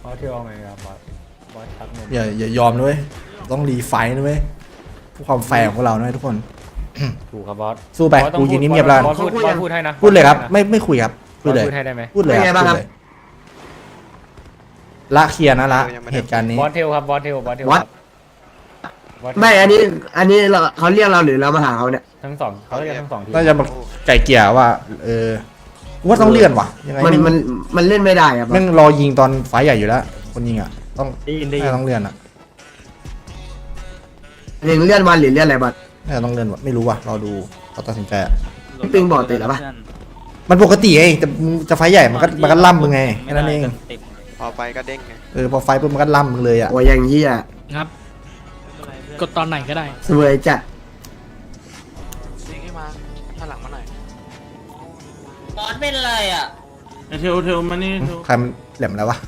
อเที่ยวไงครับบอสชักนมอย่ายอมด้วยต้องรีไฟท์ด้วยเพื่อความแฟร์ของพวกเราด้วยทุกคนถูกครับบอสสู้ไปกูยืนนิ่งๆแล้วบอสพูดให้นะพูดเลยครับไม่คุยครับพูดเลยพูดให้ได้ไหมพูดเลยครับพูดเลยละเคลียร์นะละเหตุการณ์นี้บอสเทลครับบอสเทลวัดครับบสเทลไม่อันนี้เราเขาเรียกเราหรือเรามาหาเขาเนี่ยทั้งสองเขาเรียกทั้งสองทีน่าจะมาไก่เกลี่ยว่าว่าต้องเลื่อนว่ะยังไงมันเล่นไม่ได้อะแม่งรอยิงตอนไฟใหญ่อยู่แล้วคนยิงอ่ะต้องได้ยินต้องเลื่อนอ่ะเลื่อนวันหรือเลื่อนอะไรบัดน่าจะต้องเลื่อนว่ะไม่รู้ว่ะรอดูเขาตัดสินใจอะพี่ปิงบอกติดแล้วปะมันปกติไงแต่มึงจะไฟใหญ่มันก็ล่ำมึงไงแค่นั้นเองพอไปก็เด้งไงพอไฟปุ๊บมันก็ล่ำมึงเลยอ่ะโอ้ยอย่างนี้อ่ะครับ กดตอนไหนก็ได้สวยจัดเด้งให้มาถ้าหลังมาหน่อยบอสเป็นอะไรอ่ะเทลมานี่ใครมันแหลมแล้ววะ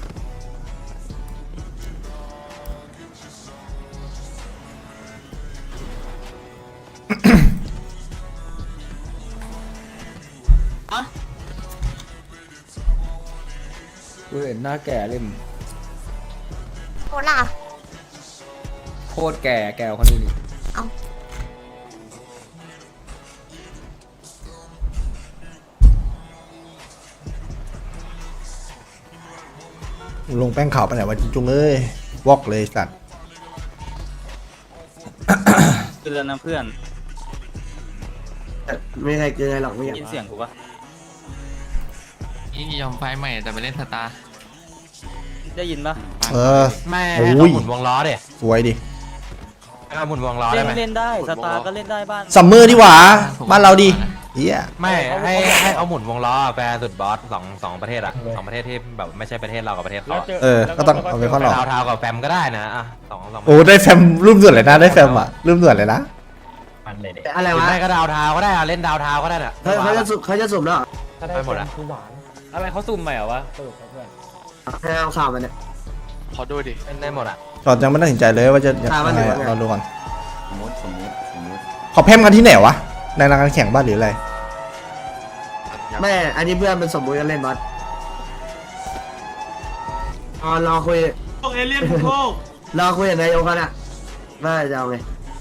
กูเห็นหน้าแก่เล่มโคล่ะโคตรแก่คนนี้นี่ลงแป้งขาวไปไหนวะจุงเอ้ยวอกเลยสัตว์เตือนนะเพื่อนไม่ใครเกินหรอกไม่อยากยินเสียงกูปะยิ่งยอมไฟใหม่แต่ไปเล่นสตาร์ได้ยินปะไม่โอ้ให้ยเขาหมุนวงล้อเด็สวยดิให้เขาหมุนวงล้อเล่ได้นไหมเล่นได้สตาร์ก็เล่นได้บ้านซัมเมอร์ดีหว่าบ้านเราดีเฮียไม่ให้เอาหมุนวงล้อแฟร์สุดบอสสองประเทศอะสองประเทศที่แบบไม่ใช่ประเทศเรากับประเทศเขาอะก็ต้องเอาไปข้อหลอกทาวกับแฟมก็ได้นะอ่ะสองโอ้ได้แฟมรุ่มด่วนเลยนะได้แฟมอ่ะรุ่มด่วนเลยนะมันเลยเด็กอะไรวะไม่ก็ดาวทาวก็ได้อะเล่นดาวทาวก็ได้น่ะเขาจะสุ่มแล้วไปหมดอะคือหวานอะไรเขาซุ่มใหม่เหรอวะสรุปเพื่อนให้เอาข่าวมันเนี่ยขอดูดิเล่นได้หมดอะจอดยังไม่ตัดสินใจเลยว่าจะยังมันไงอยู่ไงเราดูก่อนเขาแพมกันที่ไหนวะในรายการแข่งบ้านหรืออะไรไม่อันนี้เพื่อนมันสมมุติกันเล่นบัดรอคุยโลกเอเลี่ยนโลกรอคุยกับนายโยกันอ่ะว่าจะเอาไง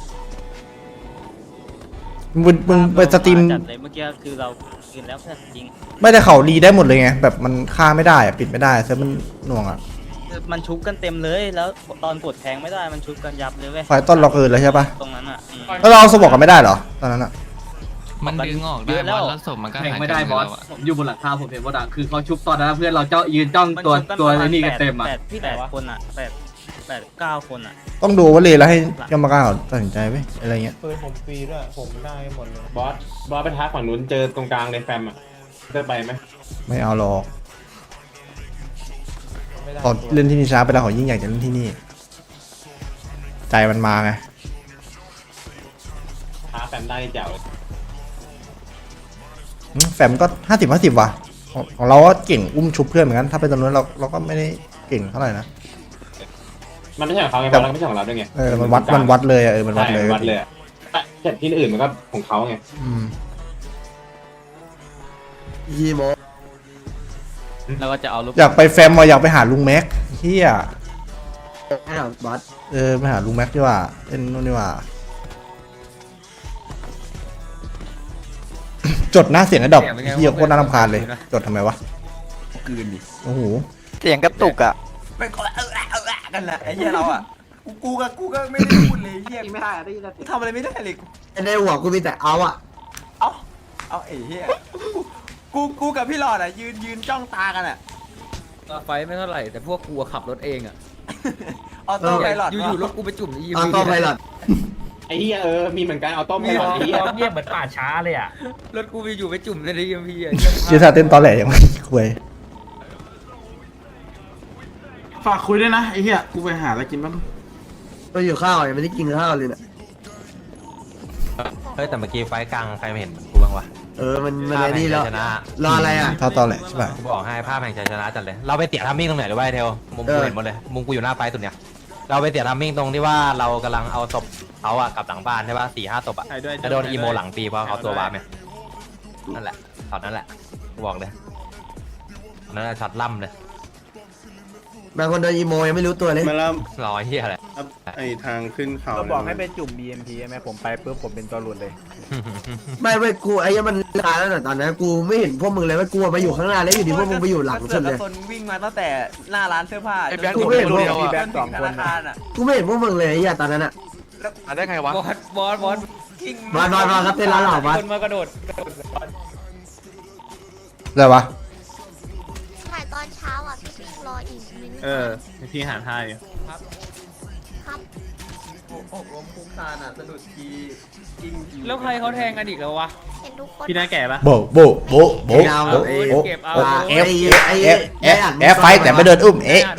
มึงไปสตรีมจัดเลยเมื่อกี้คือเรากินแล้วเพื่อนจริงไม่ได้เขารีได้หมดเลยไงแบบมันฆ่าไม่ได้อะปิดไม่ได้เซฟมันหน่วงอ่ะมันชุบกันเต็มเลยแล้วตอนกดแทงไม่ได้มันชุบกันยับเลยเว้ยไฟต้นเราเกินแล้วใช่ปะตรงนั้นอ่ะแล้วเราเอาสมบอกกันไม่ได้เหรอตอนนั้นอ่ะมันดึงออกได้บอสแล้วศพมันก็หายไม่ได้บอสผมอยู่บนหลังคาผมเห็นว่าดังคือเขาชุบตอนนั้นเพื่อนเราเจ้ายืนจ้องตัวไอ้นี่กันเต็มอ่ะแปดคนอ่ะแปดเก้าคนอ่ะต้องดูว่าเลยแล้วให้กรรมการเขาตัดสินใจไว้อะไรเงี้ยปืนผมฟรีด้วยผมได้หมดเลยบอสไปท้าฝั่งนู้นเจอตรงกลางในแฟมอ่ะจะไปไหมไม่เอาหรอกขอเล่นที่นี่ช้าไปแล้วขอยิ่งอยากจะเล่นที่นี่ ใจมันมาไงท้าแฟมได้เจ๋วเลยแฟมก็50-50ว่ะของเราก็เก่งอุ้มชุบเพื่อนเหมือนกันถ้าเป็นตรงนู้นเราก็ไม่ได้เก่งเท่าไหร่นะมันไม่ใช่ของเขาไงเพราะเราไม่ใช่ของเราด้วยไงมันวัดเลยอะมันวัดเลยใช่วัดเลยอะแต่ที่อื่นมันก็ของเขาไงอืมยีโมแล้วก็จะเอาลูกอยากไปแฟมมาอยากไปหาลุงแม็กเฮียให้เอาบัดไปหาลุงแม็กดีกว่าเล่นนู่นดีกว่า จดหน้าเสียงไอ้ดอกเฮียโคตรน่ารำคาญเลย จดทำไมวะกืนดิโอ้โหเสียงกระตุกอ่ะไม่ก็กันแหละไอ้เหี้ยเราอ่ะกูก็ไม่ได้พูดเลยเหี้ยไม่ได้ได้ยินแต่ทำอะไรไม่ได้เลยในหัวกูมีแต่เอาอ่ะเอาไอ้เหี้ยกูกับพี่หลอดอ่ะยืนจ้องตากันอ่ะไฟไม่เท่าไหร่แต่พวกกูขับรถเองอ่ะออโต้ไพลอตอยู่ๆรถกูไปจุ่มในยีเอาเข้าไพลอตไอ้เหี้ยมีเหมือนกันเอาต้มมีให้รเราถไอ้เหี้ยเงียบเหมือนป่าช้าเลยอ่ะรถกูไปอยู่ไปจุ่มในยีพีอ่ะเชียร์ซาเต้นตอนแหลยังไม่คุยฝากคุยด้วยนะไอ้เหี้ยกูไปหาอะไรกินบ้างก็อยู่ข้าวยังไม่ได้กินข้าวเลยเนี่ยเฮ้ยแต่เมื่อกี้ไฟกลางใครไม่เห็นกูบ้างวะมันอะไรนี่แล้วชนะรออะไรอ่ะถ้าตอนแหลใช่ป่ะกูบอกให้ภาพแห่งชัยชนะจัดเลยเราไปเตี่ยทัมมิ่งตรงไหนหรือว่าเทลมุมกูเห็นหมดเลยมุมกูอยู่หน้าไฟสุดเนี่ยเราไปเตี่ยทัมมิ่งตรงที่ว่าเรากำลังเอาศพเขาอะกลับหลังบ้านใช่ป่ะ4-5ศพอะจะโดนอีโมหลังปีเพราะเขาตัววาร์ปเนี่ยนั่นแหละช็อตนั่นแหละกูบอกเลยนั่นแหละช็อตล่ำเลยบางคนโดนอีโมยังไม่รู้ตัวเลยมาแล้วรอเฮียอะไรไอทางขึ้นเขาเราบอกให้ไปจุ่ม BMP ใช่ไหมผมไปปุ๊บผมเป็นตัวหลุดเลยไม่เว้ยกูไอ้ยังมันนานแล้วน่ะตอนนั้นกูไม่เห็นพวกมึงเลยว่ากูไปอยู่ข้างหน้าแล้วอยู่ดีพวกมึงไปอยู่หลังสุดเลยคนวิ่งมาตั้งแต่หน้าร้านเสื้อผ้าไอ้แบงค์กูผมไม่ไม่เห็นรู้เดียวมีอ่ะแบงค์สองคนธนาคารอ่ะกูไม่เห็นพวกมึงเลยไอ้เหี้ยตอนนั้นอ่ะได้ไงวะบอสกิ้งมาครับเต้นร้านเหล่าวัดคนมากระโดดอะไรวะถ่ายตอนเช้าอ่ะพี่ปิ๊งรออีกนิดนึงพี่หารให้ครับหกล้มคุกคานอ่ะสะดุดทีกิ้งแล้วใครเขาแทงกันอีกแล้ววะเห็นทุกคนพี่น่าแก่ปะโบโบโบโบโบโบเก็บเอาเอฟเอฟไฟแต่ไม่โดนอุ้มเอะ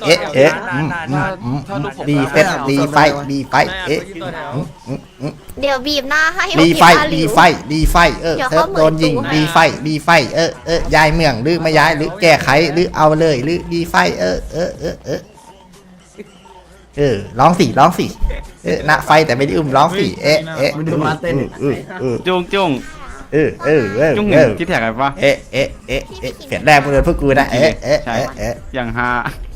ดีเฟสดีไฟดีไฟเอะเดี๋ยวบีบหน้าให้ดีไฟว่าดีผิไฟดีไฟเซิร์ฟโดนยิงดีไฟดีไฟย้ายเมืองหรือไม่ย้ายหรือแก้ไขหรือเอาเลยหรือดีไฟร้องสิณไฟแต่ไม่ได้อุ้มร้องสิจุ้งจุ้งจุ้งคิดแท็กอะไรปะเปลี่ยนแรกมึงเลยพวกกูนะอย่างฮา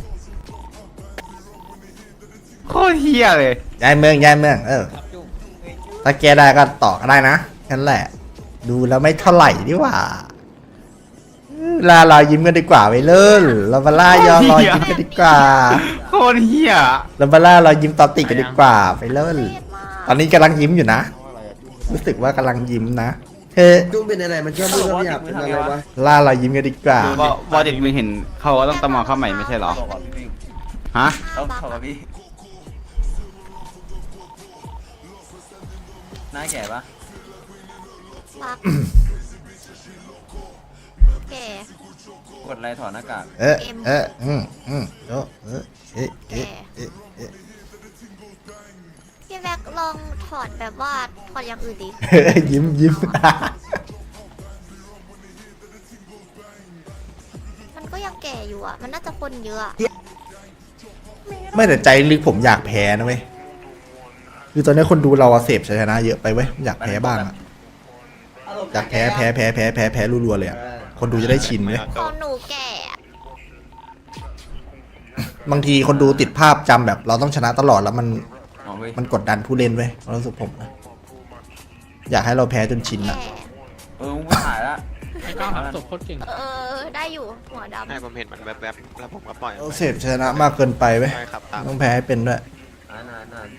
โคตรเฮียเลยย้ายเมืองถ้าแกได้ก็ต่อก็ได้นะแค่นั้นแหละดูแล้วไม่เท่าไหร่ดีกว่าลาเรายิ้มกันดีกว่าไปเลยเรามาล่ายอรอยยิ้มกันดีกว่าโคตรเฮียเรามาล่าเรายิ้มตอนติดกันดีกว่าไปเลยตอนนี้กำลังยิ้มอยู่นะรู้สึกว่ากำลังยิ้มนะเฮ้จุ้งเป็นอะไรมันชอบพูดว่าอยากเป็นอะไรวะล่าเรายิ้มกันดีกว่าวอเด็กไม่เห็นเขาต้องตะมอเข้าใหม่ไม่ใช่หรอบอกกับพี่ปิ๊งฮะต้องขอกับพี่หน้าแก่ปะปักแก่กดอะไรถอดหน้ากากพี่แบ็คลองถอดแบบว่าถอดอย่างอื่นดิยิ้มมันก็ยังแก่อยู่อ่ะ มันน่าจะคนเยอะอะไม่แต่ใจลึกผมอยากแพ้นะเว้ยคือตอนนี้คนดูเราเสพชัยชนะเยอะไปเว้ยอยากแพ้บ้างอะอยากแพ้รัวๆเลยอะคนดูจะได้ชินเว้ยของหนูแก่อะบางทีคนดูติดภาพจำแบบเราต้องชนะตลอดแล้วมันอ๋อเว้ยมันกดดันผู้เล่นเว้ยความรู้สึกผมนะอยากให้เราแพ้จนชินอะแก่มึงไม่ถ่ายละได้อยู่หัวดำให้ผมเห็นมันแวบๆแล้วผมก็ปล่อยเราเสพชนะมากเกินไปเว้ยใช่ครับตามต้องแพ้ให้เป็นด้วยนาน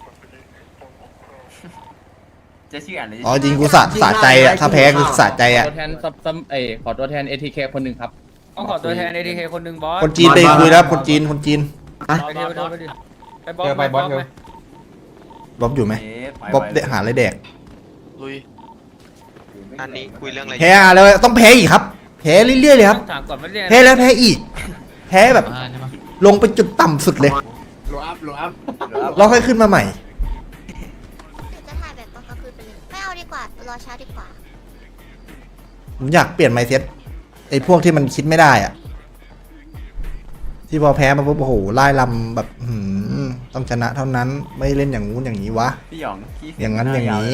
จะชื่ออ่านเลยอ๋อจริงกูสะใจอะถ้าแพ้คือสะใจอะตัวแทนขอตัวแทน ATK คนหนึ่งครับต้องขอตัวแทน ATK คนหนึ่งบอสคนจีนไปคุยแล้วคนจีนไปเทวไปดิไปบอสไปบอสไหมบ๊อบอยู่ไหมบ๊อบเดหาอะไรแดกลุยอันนี้คุยเรื่องอะไรแพ้แล้วต้องแพ้อีกครับแพ้เรื่อยๆเลยครับถามก่อนว่าเรียนแพ้แล้วแพ้อีกแพ้แบบลงไปจุดต่ำสุดเลยโลอัพเราค่อยขึ้นมาใหม่จะถ่ายแบบตอนกลางคืนไปเลย ไม่เอาดีกว่า รอเช้าดีกว่าผมอยากเปลี่ยนไมเซ็ตไอ้พวกที่มันคิดไม่ได้อะที่พอแพ้มาปุ๊บโอ้โหไล่ลำแบบต้องชนะเท่านั้นไม่เล่นอย่างงู้นอย่างนี้วะพี่หยองขี้อย่างนั้นอย่างนี้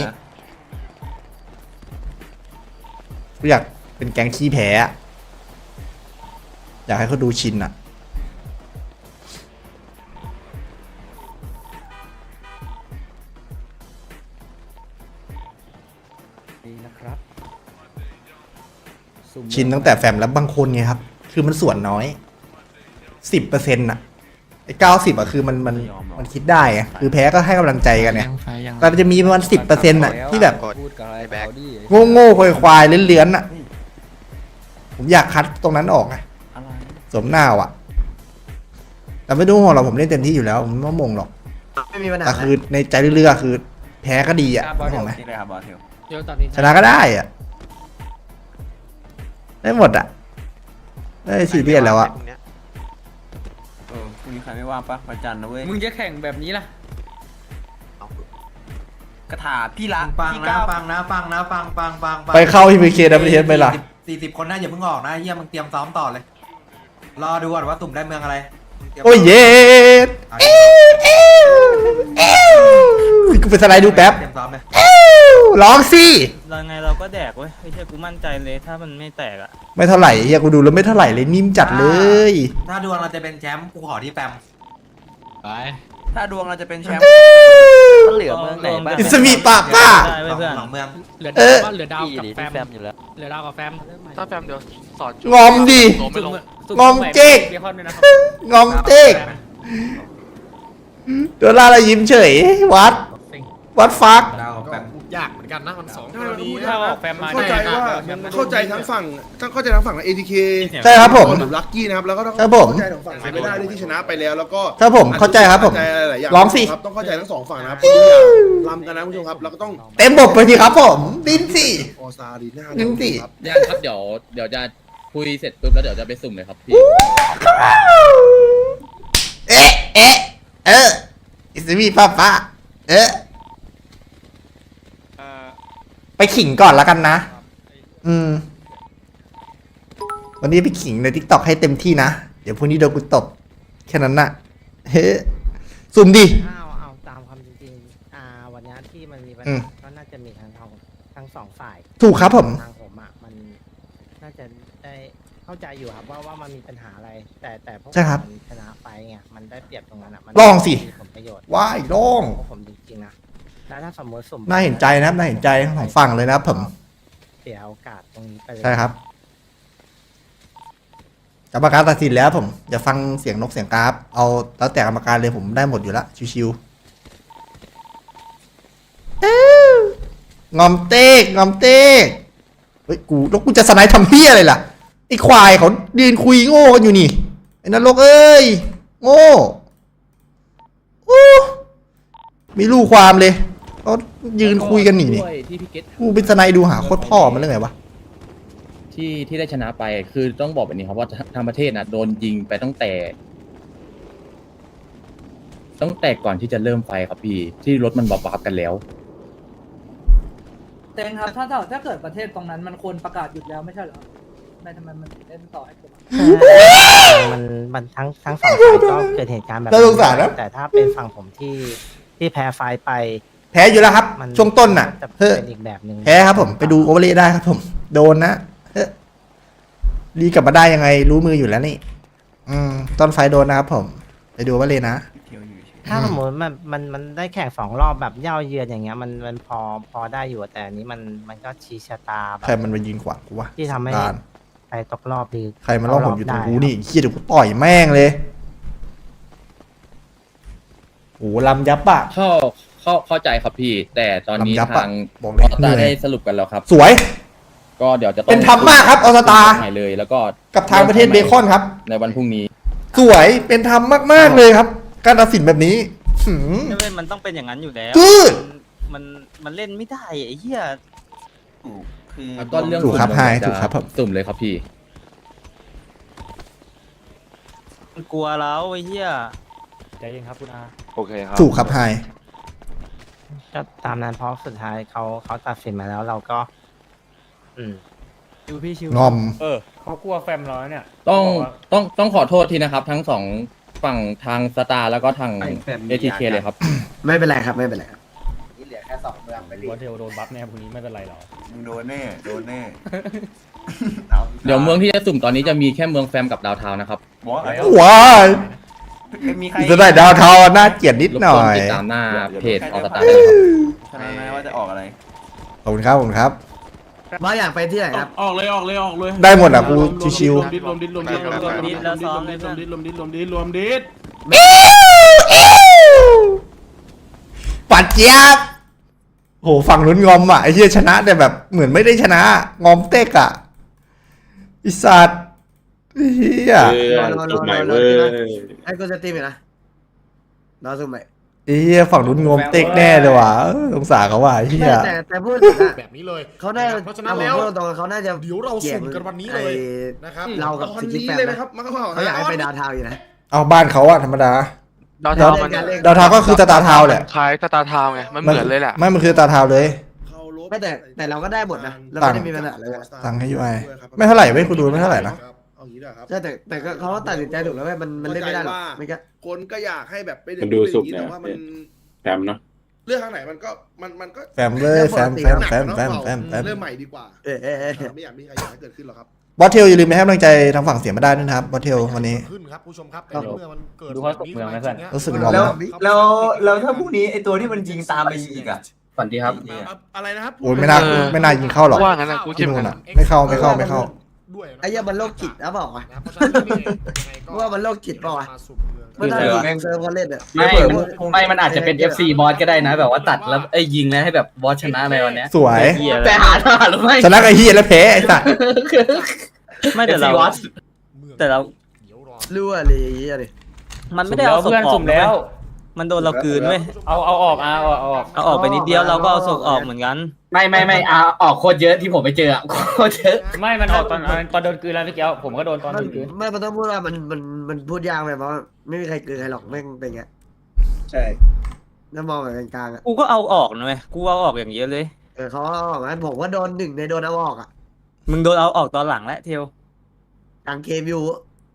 กูอยากเป็นแก๊งขี้แพ้อะอยากให้เขาดูชินอะชินตั้งแต่แฟมแล้วบางคนไงครับ คือมันส่วนน้อย 10%อะไอ้90อะคือมันคิดได้ไงคือแพ้ก็ให้กำลังใจกันเนี่ยแต่มันจะมีประมาณ10%อะที่แบบพูดกับอะไรเขาดิโง่ๆควายๆเลื้อนๆน่ะ ผมอยากคัดตรงนั้นออกไงอะไรสมหน้าอ่ะ แต่ไม่ต้องห่วงหรอกผมเล่นเต็มที่อยู่แล้วผมไม่มงหรอกไม่มีปัญหาแต่คือในใจเรื่อยๆคือ แพ้ก็ดีอ่ะนึกออกไหมนี่เลยครับบอสเทลชนะก็ได้อ่ะ ได้หมดอ่ะได้ซีเรียสแล้วอ่ะพรุ่งนี้ใครไม่ว่างปะวันจันทร์นะเว้ยมึงจะแข่งแบบนี้ล่ะกระถาพี่ละฟังพี่นะก้าวฟังนะฟังไปเข้าที่พีเคดับเบิลเทสไปล่ะ 40 คนนะอย่าเพิ่งออกนะเฮียมึงเตรียมซ้อมต่อเลย รอดูก่อนว่าตุ่มได้เมืองอะไรโอ้ยเย็ดกูไปสไลด์ดูแป๊บเตรียมซ้อมเลยร้องสิรเราไงเราก็แดกเว้ยไม่ใช่กูมั่นใจเลยถ้ามันไม่แตกอ่ะไม่เท่าไหร่เฮียกูดูแล้วไม่เท่าไหร่เลยนิ่มจัดเลยถ้าดวงเราจะเป็นแชมป์กูขอที่แฟมไปถ้าดวงเราจะเป็นแชมป์เหลือเมืองไหนบ้างอิสมีปะป้าได้เว้ยเพื่อนหนองเมืองเออเหลือดาวกับแฟมอยู่แล้วเหลือดาวกับแฟมถ้าแฟมเดี๋ยวสอนงอมดิโตไม่ลงงอมเจ๊กงอมเจ๊กโดนล่าแล้วยิ้มเฉยวัดฟักดาวกับแฟมยากเหมือนกันนะมัน2 ถ้าเราพูดถ้าออกแฟมมาเข้าใจว่าเข้าใจทั้งฝั่งATK ใช่ครับผมหรือลัคกี้นะครับแล้วก็ต้องครับผมเข้าใจของฝั่งเซไม่ได้ด้วยที่ชนะไปแล้วแล้วก็ครับผมเข้าใจครับผมเข้าใจหลายๆอย่างร้องสิครับต้องเข้าใจทั้งสองฝั่งนะครับทุกอย่างรำกันนะคุณผู้ชมครับแล้วก็ต้องเต็มบทไปทีครับผมดิ้นสิออซาดีหน้าดิ้นสิครับย่างครับเดี๋ยวจะคุยเสร็จปุ๊บแล้วเดี๋ยวจะไปสุ่มเลยครับพี่เอออิสมีป้าไปขิงก่อนแล้วกันนะ วันนี้ไปขิงใน TikTok ให้เต็มที่นะ เดี๋ยวพรุ่งนี้โดนกูตบ แค่นั้นน่ะ เฮ้สุ่มดิเอาตามความจริงวันนี้ที่มันมีปัญอืมหาก็น่าจะมีทั้งสองฝ่ายถูกครับผมทางผมมันน่าจะได้เข้าใจอยู่ครับว่ามันมีปัญหาอะไร แต่พวกใช่ครับมันชนะไปไงมันได้เปรียบตรงนั้นมันลองสิมีผลประโยชน์ว้ายลองพวกผมจริงๆนะแล้วถ้าสมมติสมน่าเห็นใจนะครับน่าเห็นใจทั้งสองฝั่งเลยนะครับผมเสียโอกาสตรงนี้ไปเลยใช่ครับกรรมการตัดสินแล้วผมอย่าฟังเสียงนกเสียงกราฟเอาแล้วแต่กรรมการเลยผมได้หมดอยู่ละชิวๆงอมเต๊กเฮ้ยกูแล้วกูจะสไนด์ทำเพี้ยอะไรล่ะไอ้ควายเขายืนคุยโง่กันอยู่นี่ไอ้นรกเอ้ยโง่โอ้มีลูกความเลยเขายืนคุยกันนี่ที่พี่เกตกูเป็นสไนด์ดูหาโคตรพ่อมันเรื่องไงวะที่ได้ชนะไปคือต้องบอกแบบนี้ครับว่าทางประเทศนะโดนยิงไปตั้งแต่ก่อนที่จะเริ่มไฟครับพี่ที่รถมันบับกันแล้วเต็งครับถ้าเกิดประเทศตรงนั้นมันควรประกาศหยุดแล้วไม่ใช่เหรอทำไมมันถึงเล่นต่อให้ผมมันทั้งสองฝ่ายก็เกิดเหตุการณ์แบบน่าสงสารนะแต่ถ้าเป็นฝั่งผมที่แพ้ไฟล์ไปแพ้อยู่แล้วครับมันช่วงต้นน่ะจะเฮ้ยเป็นอีกแบบหนึ่งแพ้ครับผมไปดูโอเวอร์เลย์ได้ครับผม โดนนะเฮ้ยรีกลับมาได้ยังไงรู้มืออยู่แล้วนี่ ต้นไฟโดนนะครับผม ไปดูโอเวอร์เลย์นะถ้าสมมติมันได้แข่ง2 รอบแบบเย่าเยือนอย่างเงี้ยมันพอได้อยู่แต่อันนี้มันก็ชี้ชะตาแบใครบมันมายิงขวางกูวะที่ทำให้ลานใครตกรอบดีใครมาล่องหนอยู่ตรงกูได้นี่เฮียเดี๋ยวกูต่อยแม่งเลยโอ้ลำยับอะเข้าใจครับพี่ แต่ตอนนี้ลำยับอะทางบอกเลยออสตาเหนื่อยได้สรุปกันแล้วครับสวยก็เดี๋ยวจะต้องเป็นธรรมมากครับออสตาใหม่เลยแล้วก็กับทางประเทศเบคอนครับในวันพรุ่งนี้สวยเป็นธรรมมากๆเลยครับ การตัดสินแบบนี้หืมไม่เป็นมันต้องเป็นอย่างนั้นอยู่แล้วจืดมันเล่นไม่ได้ไอ้เหี้ยคือแล้วก็เรื่องถูกครับสุ่มไฮเดี๋ยวถูกครับผมสุ่มเลยครับพี่มันกลัวแล้วไอ้เหี้ยใจเย็นครับคุณอาโอเคครับถูกครับไฮก็ตามนั้นเพราะสุดท้ายเขาตัดสินมาแล้วเราก็งอมเขากลัวแฟมร้อยเนี่ยต้องขอโทษทีนะครับ ทั้งสองฝั่งทางสตาร์แล้วก็ทาง ATK เลยครับไม่เป็นไรครับไม่เป็นไรครับนี่เหลือแค่2 เมืองไปรีว่าเทลโดนบัฟแน่พรุ่งนี้ไม่เป็นไรหรอกมึงโดนแน่เดี๋ยวเมืองที่จะสุ่มตอนนี้จะมีแค่เมืองแฟมกับดาวเทาว์นะครับว้ายมีใครจะได้ดาวเทาน่าเกลียดนิดรบหน่กวอน ยติดตามหน้าเพจออสตาได้เลยครับชนะนะว่าจะออกอะไรขอบคุณครับขอบคุณครับมาอยากไปที่ไหนครับออกเลยได้หมดอ่ะกูชิวรวมดิดรวมดิดรวมดิดรวมดิดรวมดิดรวมดิดรวมดิดรวมดิดรวมดิดๆปัดเจี๊ยบโหฝั่งลุ้นงอมอ่ะไอ้เหี้ยชนะแต่แบบเหมือนไม่ได้ชนะ งอมเต็กอ่ะไอิสัตว์ไอ้เหี้ยจุดใหม่เว้ยไอ้กูจะตีมนะรอสุ่มใหม่ไอ้เหี้ยฝั่งลุ้นงอมเต็กแน่เลยว่ะสงสารเขาว่ะไอ้เหี้ยแต่พูดถึงอะแบบนี้เลยเขาน่าเพราะฉะนั้นแล้วพูดตรงๆเขาน่าจะเดี๋ยวเราสุ่มกันวันนี้เลยนะครับเรากับตอนสิทธินี้แฟนเลยนะนะครับมาเข้าเขาอยากให้ไปดาวเทาวน์อยู่นะเอาบ้านเขาอะธรรมดาดาวเทามันดาวเทาก็คือสตาร์เทาแหละคล้ายสตาร์ทาวไงมันเหมือนเลยแหละไม่มันคือสตาร์เทาเลยไม่แต่เราก็ได้หมดนะเราไม่ได้มีปัญหาเลยสั่งให้ UI ไม่เท่าไหร่เว้ยคุณดูไม่เท่าไหร่นะเอางี้นะครับใช่แต่ก็เขาตัดสินใจถูกแล้วเว้ยมันเล่นไม่ได้หรอกไม่ก็คนก็อยากให้แบบไปมันดูสุกแต่เนี่ยว่ามันแฟมเนาะเรื่องทางไหนมันก็มันก็แฟมเลยแฟมหนักแฟมเนอะแฟมเราแฟมแฟมเริ่มใหม่ดีกว่าเออไม่อยากมีใครอยากให้เกิดขึ้นหรอกครับบอสเทลอย่าลืมไปให้กำลังใจทางฝั่งเสียมาได้ด้วยนะครับบอสเทลวันนี้ขึ้นครับผู้ชมครับแต่เมื่อมันเกิดดูเขาตกเมืองไหมเพื่อนรู้สึกงอมแล้วถ้าพรุ่งนี้ไอตัวที่มันยิงตามไปยิงอีกอ่ะฝันดีครับอะไรนะครับโอ้ยไม่น่ายิงเข้าหรอกว่างั้นนะกูที่นู่นอ่ะไม่เข้าด้วยไอ้เหี้ยมันโรคจิตนะบอกว่ะเพราะฉะนั้นนี่ยังไงก็ว่ามันโรคจิตเปล่าวะมาสู่เมืองไม่ได้คือแม่งเซิร์ฟเขาเล่นอ่ะมันอาจจะเป็น FC บอสก็ได้นะ แบบว่าตัดแล้วยิงแล้วให้แบบบอสชนะอะไรวันเนี้ยสวยแต่หาหรือไม่ชนะไอ้เฮียแล้วแพ้ไอ้สัสไม่แต่เรา FC บอสแต่เราเดี๋ยวรอรั่วเลยไอ้เหี้ยดิมันไม่ได้เอาศพออกสุ่มแล้วมันโดนเรากลืนเว้ยเอาออกเอาออกเอาออกไปนิดเดียวเราก็เอาศพออกเหมือนกันไม่ออกโคตรเยอะที่ผมไปเจออะโคตรเยอะไม่มันออกตอนโดนกลืนแล้วพี่เกี้ยวผมก็โดนตอนมันต้องพูดว่ามันพูดยากแบบว่าไม่มีใครเกินใครหรอกแม่งเป็นไงใช่น้ามองแบบกลางๆอ่ะกูก็เอาออกนะเว้ยกูเอาออกอย่างเยอะเลยเขาบอกว่าผมว่าโดนหนึ่งในโดนเอาออกอ่ะมึงโดนเอาออกตอนหลังแล้วเทลกลางเกมอยู่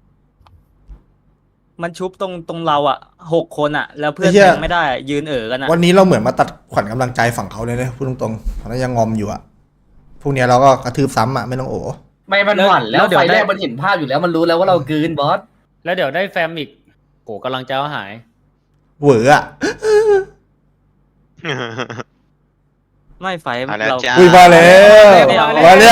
มันชุบตรงเราอ่ะ6 คนอ่ะ แล้วเพื่อนไอ้เหี้ยแทงไม่ได้ยืนกันอ่ะวันนี้เราเหมือนมาตัดขวัญกำลังใจฝั่งเขาเลยนะพูดตรงๆแล้วยังงอมอยู่อ่ะพวกเนี้ยเราก็กระทืบซ้ำอ่ะไม่ต้องโอ้ไม่มันหวั่นแล้วไฟแรกมันเห็นภาพอยู่แล้วมันรู้แล้วว่าเรากลืนบอสแล้วเดี๋ยวได้แฟมอีกโหกำลังใจหายเหวออ่ะไม่ไฟเราอุ้ยมาแล้วมาแล้ว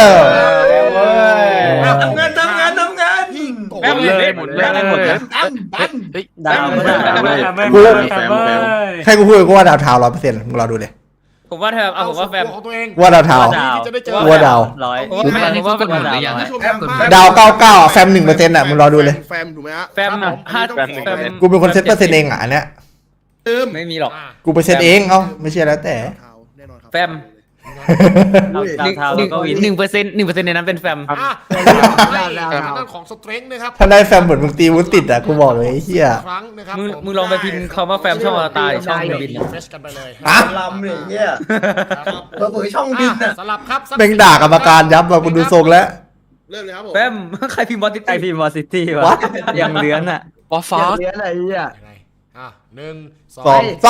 ทำงานแม่งเลยหมดเลยดาวไม่ได้กูให้กูพูดกูว่าดาวเทา100%มึงรอดูเลยผมว่าแฟมผมว่าแฟมของตัวเองว่าดาวเทาจะได้เจอว่าดาวร้อยผมว่าเป็นหมดหรือยังผู้ชมทางบ้านดาว99อ่ะแฟม1%อ่ะมึงรอดูเลยแฟมถูกไหมฮะแฟมครับผห้าต้องขอแฟมกูเป็นคนเซตเปอร์เซ็นต์เองอ่ะอันเนี้ยไม่มีหรอกกูไปเซตเองเอ้าไม่ใช่แล้วแต่แน่นอนครับแฟมดาวเทาแล้วก็วิน 1%ในนั้นเป็นแฟมอ่ะให้ทางด้านของสเตรนท์นะครับถ้าได้แฟมเหมือนมึงตีวุ้นติดอ่ะกูบอกเลยไอ้เหี้ยครั้งนะครับมึงลองไปพิมพ์คำว่าแฟมช่องอวตารช่องบินเฟสกันไปเลยอ่ะลำเลยเนี่ยเราเปิดช่องบินอ่ะสลับครับแม่งด่ากรรมการยับว่ะกูดูทรงแล้วเริ่มเลยครับผมแฟมใครพิมพ์บอสติดไอพีมอซิตี้วะ What? ยังเลื้อนอ่ะบอสฟ้าเลี้ยอะไรอ่ะยังไงอ่ะ1 สอง 2 ซ้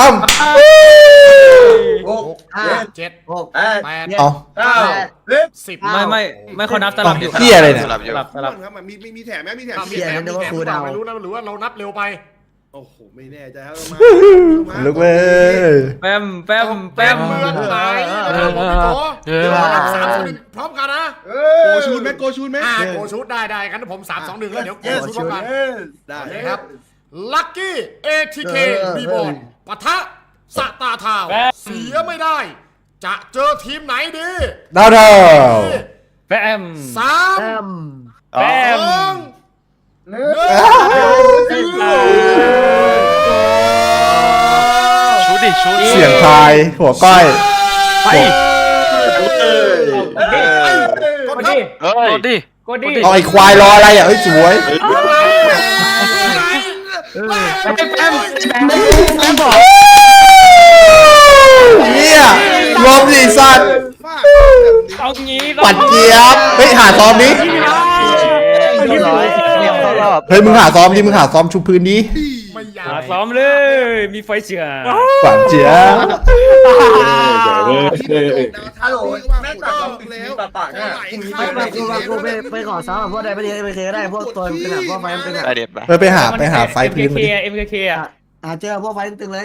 6 7 6 8 ำเอา 10 ไม่เขานับสลับอยู่เหี้ยอะไรเนี่ยสลับครับมันมีแถมไหมมีแถมเสียงนึกว่าครูดาวไม่รู้นะหรือว่าเรานับเร็วไปโอ้โหไม่แน่ใจครับมาลุกเว้ยแฟมแฟมเมืองไหนนะครับผมพี่โกเดี๋ยวเรานับ3-2-1พร้อมกันนะโกชูนไหมโกชูนไหมโกชูนได้งั้นผม3-2-1แล้วเดี๋ยวโกชูนพร้อมกันได้ครับลัคกี้ ATK บีบอลปะทะสตาร์ทาวเสียไม่ได้ จะเจอทีมไหนดีดาวเทาแฟมสามแฟมสองหนึ่งชุดดิชุดเสียงทายหัวก้อยไปกดครับกดดิกดดิเอาไอ้ควายรออะไรอ่ะเอ้ยสวยแฟมบอกเนี่ยรวมดิสัตว์เอางี้ปัดเจี๊ยบเฮ้ยหาซ้อมดิเรียบร้อยเรียบเข้ารอบเฮ้ยมึงหาซ้อมดิมึงหาซ้อมชุบพื้นดิไม่อยากซ้อมเลย มีไฟเชื่อปัดเจี๊ยบฮัลโหลแม่ตัดเราแล้วปากเนี่ยกูไปขอซ้อมกับพวกใดไม่ดีไม่เคยได้พวกตัวตึงอ่ะพวกไฟตึงอ่ะได้เด็ดไปไปหาไฟพื้นมาดิ MKK อ่ะเจอพวกไฟตึงเลย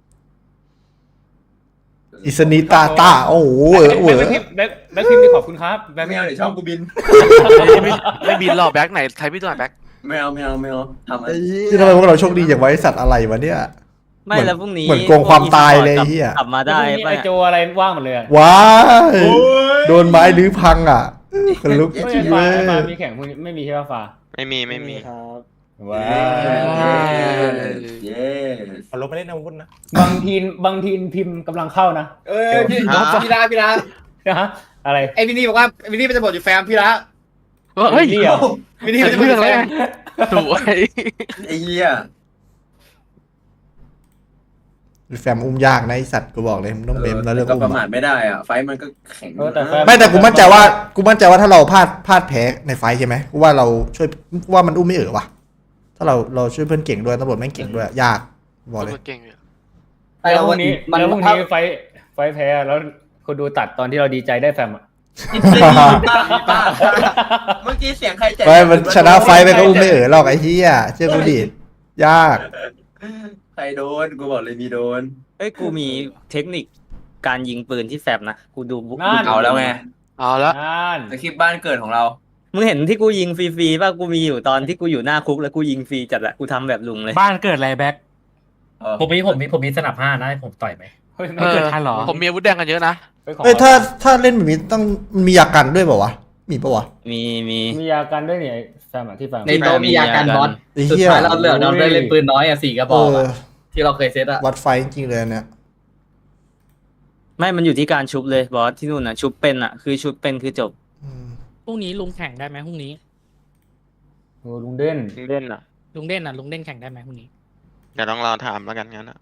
อิสนิตาโอ้โหเหวอแบ็คพิมพ์ขอบคุณครับแบ็คไม่เอาเดี๋ยวช่องกูบินไม่บินหรอกแบ็คไหนไทยพี่ตัวไหนแบ็คไม่เอาทำอะไรที่ทำไมพวกเราโชคดีอย่างไว้สัตว์อะไรวะเนี่ยไม่แล้วพรุ่งนี้เหมือนโกงความตายเลยเฮียกลับมาได้ไอโจอะไรว่างหมดเลยว้ายโดนไม้ลื้อพังอ่ะคนลุกไม่ชีฟ้าเว้ยมีแข่งไม่มีใช่ป่ะฟ้าไม่มีว้าเย้เอาลบไปเล่นอาวุธนะบางทีพิมพ์กำลังเข้านะพี่ลานะฮะอะไรไอวินนี่บอกว่าวินนี่มันจะบอกอยู่แฟมพี่ละเฮ้ยเดี่ยววินนี่มันจะบอกอยู่แฟมสวยไอ้เหี้ยแฟมอุ้มยากนะไอสัตว์กูบอกเลยมันต้องเบมแล้วเรื่องก็อุ้ประมมาทไม่ได้อ่ะไฟมันก็แข็งไม่แต่กูมั่นใจว่าถ้าเราพลาดแพ้ในไฟใช่ไหมกูว่าเราช่วยกูว่ามันอุ้มไม่ว่ะถ้าเราช่วยเพื่อนเก่งด้วยตำรวจแม่งเก่งด้วยยากบอกเลยเก่งเนี่ยไอ้แล้วพวัรุ่นงนี้มันแล้วพรุ่งนี้ไฟแพ้แล้วคนดูตัดตอนที่เราดีใจได้แฟมอ่ะเมื่อกี้เสียงใครแจกไม่มันชนะไฟไปก็อุ้มไม่หรอกไอ้เหี้ยเชื่อกูดิยากใครโดนกูบอกเลยมีโดนเอ้ยกูมีเทคนิคการยิงปืนที่แฟมนะกูดูบุ๊กเอาแล้วไงเอาแล้วนั่นสคริปต์บ้านเกิดของเรามึงเห็นที่กูยิงฟรีๆป่ะกูมีอยู่ตอนที่กูอยู่หน้าคุกแล้วกูยิงฟรีจัดอะกูทำแบบลุงเลยบ้านเกิดอะไรแบ็คผมมีสนับ5นะให้ผมต่อยไหมไม่เกิดทันหรอผมมีอาวุธแดงกันเยอะนะเอ้ยถ้าเล่นแบบนี้ต้องมันมียากันด้วยเปล่าวะมีปะวะมีมียากันด้วยเนี่ยแฟมอ่ะที่แฟมในโต๊ะมียากันบอสไอ้สุดเหี้ยท้ายเราเหลือเราได้เล่นปืนน้อยอ่ะ4 กระบเออกออะที่เราเคยเซตอ่ะวัดไฟจริงๆเลยเนี่ยไม่มันอยู่ที่การชุบเลยบอสที่นู่นอะชุบเป็นอะคือชุบเป็นคือจบอืมพรุ่งนี้ลุงแข่งได้ไหมพรุ่งนี้โอ้ลุงเด่นเล่นอ่ะลุงเด่นอ่ะลุงเด่นแข่งได้ไหมพรุ่งนี้เดี๋ยวต้องรอถามแล้วกันงั้นอ่ะ